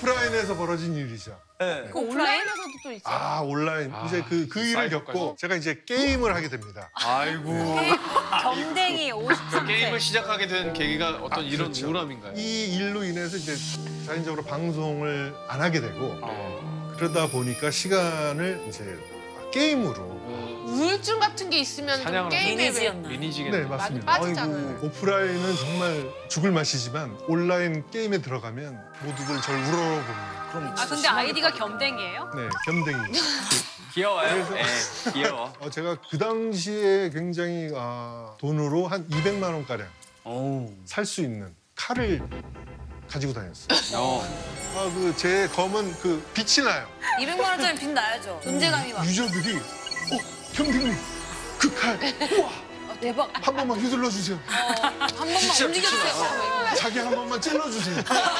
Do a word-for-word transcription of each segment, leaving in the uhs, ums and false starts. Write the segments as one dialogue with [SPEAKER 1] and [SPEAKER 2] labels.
[SPEAKER 1] 오프라인에서 벌어진 일이죠.
[SPEAKER 2] 네.
[SPEAKER 3] 그 온라인에서도 또 있죠.
[SPEAKER 1] 아 온라인
[SPEAKER 4] 아,
[SPEAKER 1] 이제 그 그 일을
[SPEAKER 4] 사이버까지.
[SPEAKER 1] 겪고 제가 이제 게임을 하게 됩니다.
[SPEAKER 4] 아이고.
[SPEAKER 5] 점댕이 오십삼 세.
[SPEAKER 4] 게임을 시작하게 된 계기가 어떤
[SPEAKER 1] 아,
[SPEAKER 4] 이런
[SPEAKER 1] 그렇죠.
[SPEAKER 4] 우울함인가요?
[SPEAKER 1] 이 일로 인해서 이제 자연적으로 방송을 안 하게 되고
[SPEAKER 4] 어.
[SPEAKER 1] 그러다 보니까 시간을 이제 게임으로.
[SPEAKER 3] 우울증 같은 게 있으면 좀
[SPEAKER 4] 사냥을
[SPEAKER 3] 게임에 왜...
[SPEAKER 5] 리니지였나?
[SPEAKER 4] 리니지겠
[SPEAKER 1] 네
[SPEAKER 4] 네,
[SPEAKER 1] 맞습니다.
[SPEAKER 3] 많이 빠지잖아요.
[SPEAKER 1] 아이고, 오프라인은 정말 죽을 맛이지만 온라인 게임에 들어가면 모두들 절 우러러봅니다.
[SPEAKER 2] 그럼
[SPEAKER 5] 아 근데 아이디가 겸댕이에요?
[SPEAKER 1] 네, 겸댕이.
[SPEAKER 2] 귀여워요. 네, 귀여워.
[SPEAKER 1] 어, 제가 그 당시에 굉장히 아, 돈으로 한 이백만 원가량
[SPEAKER 2] 오.
[SPEAKER 1] 살 수 있는 칼을 가지고 다녔어요.
[SPEAKER 2] 어.
[SPEAKER 1] 아, 그 제 검은 그 빛이 나요.
[SPEAKER 5] 이백만 원짜리 빚 나야죠. 존재감이 막.
[SPEAKER 1] 유저들이 어, 겸댕이 그 칼, 우와,
[SPEAKER 5] 아, 대박.
[SPEAKER 1] 한 번만 휘둘러 주세요.
[SPEAKER 3] 한 번만 움직여주세요.
[SPEAKER 1] 자기 한 번만 찔러 주세요.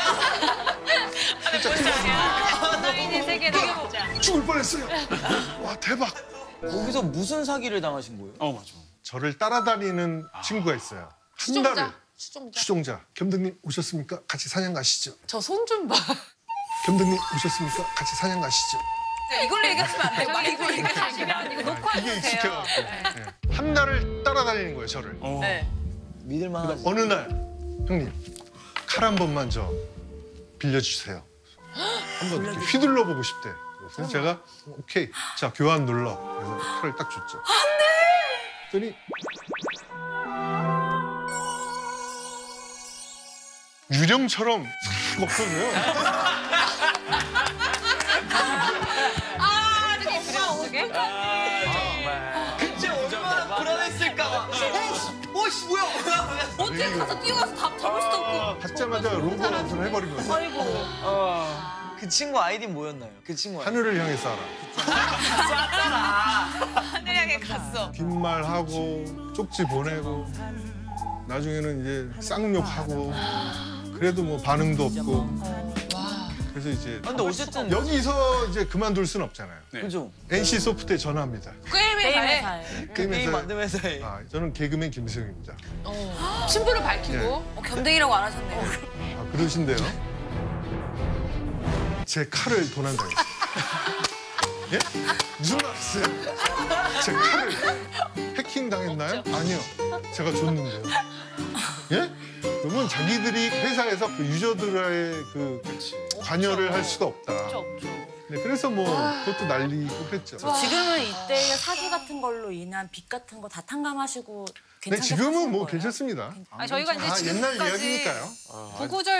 [SPEAKER 5] 온라인의 세계를 보자.
[SPEAKER 1] 죽을 뻔했어요. 와 대박.
[SPEAKER 2] 거기서 무슨 사기를 당하신 거예요?
[SPEAKER 4] 어 맞아.
[SPEAKER 1] 저를 따라다니는 친구가 있어요. 한 달을
[SPEAKER 3] 추종자. 추종자.
[SPEAKER 1] 추종자. 겸댕님 오셨습니까? 같이 사냥 가시죠.
[SPEAKER 3] 저 손 좀 봐.
[SPEAKER 1] 겸댕님 오셨습니까? 같이 사냥 가시죠.
[SPEAKER 5] 이걸로 얘기하시면 안 돼요. 이거 얘기하시면 안 돼요. 녹화해도
[SPEAKER 1] 이게
[SPEAKER 5] 돼요.
[SPEAKER 1] 익숙해갖고 네. 한 달을 따라다니는 거예요, 저를.
[SPEAKER 2] 어.
[SPEAKER 5] 네.
[SPEAKER 2] 믿을만하지.
[SPEAKER 1] 어느 날 형님 칼 한 번만 저 빌려주세요. 한번 이렇게 휘둘러 보고 싶대. 그래서 제가 오케이, 자 교환 눌러. 그래서 칼을 딱 줬죠. 안 돼. 그랬더니 유령처럼 싹 없어져요.
[SPEAKER 5] 아, 되게 어떻게?
[SPEAKER 2] 정말. 그치 얼마나 불안했을까. 봐. 오씨 뭐야?
[SPEAKER 5] 어떻게 가서 뛰어가서 다 잡을 수도 없고.
[SPEAKER 1] 받자마자 로봇을 해버린 거예요.
[SPEAKER 5] 아이고.
[SPEAKER 2] 그 친구 아이디 뭐였나요? 그 친구 아이디.
[SPEAKER 1] 하늘을 향해 쏴라.
[SPEAKER 5] 하늘 향해 갔어.
[SPEAKER 1] 빈말하고 쪽지 보내고 나중에는 이제 쌍욕하고 그래도 뭐 반응도 없고 그래서 이제
[SPEAKER 2] 근데 어쨌든
[SPEAKER 1] 여기서 이제 그만둘 순 없잖아요.
[SPEAKER 4] 네.
[SPEAKER 2] 그죠?
[SPEAKER 1] 엔씨 소프트에 전화합니다.
[SPEAKER 3] 게임에
[SPEAKER 5] 게임의
[SPEAKER 3] 가해.
[SPEAKER 5] 살.
[SPEAKER 2] 그
[SPEAKER 1] 게임에서-
[SPEAKER 2] 게임 만든 회사에.
[SPEAKER 1] 아, 저는 개그맨 김수영입니다.
[SPEAKER 3] 어. 친분을 밝히고.
[SPEAKER 1] 예.
[SPEAKER 5] 어, 겸댕이라고 안 하셨네요.
[SPEAKER 1] 아, 그러신데요. 제 칼을 도난당했어요. 예? 무슨 말이세요? 제 칼을 해킹 당했나요? 아니요. 제가 줬는데요. 예? 그러면 자기들이 회사에서 그 유저들의 그 관여를 할 수가 없다.
[SPEAKER 5] 없죠, 없죠.
[SPEAKER 1] 네, 그래서 뭐 그것도 날리고 그랬죠.
[SPEAKER 6] 지금은 이때의 사기 같은 걸로 인한 빚 같은 거 다 탕감하시고
[SPEAKER 1] 네,
[SPEAKER 6] 괜찮게
[SPEAKER 1] 지금은
[SPEAKER 6] 사시는
[SPEAKER 1] 뭐
[SPEAKER 6] 거예요?
[SPEAKER 1] 괜찮습니다.
[SPEAKER 5] 아니, 저희가 이제
[SPEAKER 1] 아, 옛날
[SPEAKER 5] 지금까지
[SPEAKER 1] 이야기니까요.
[SPEAKER 5] 구구절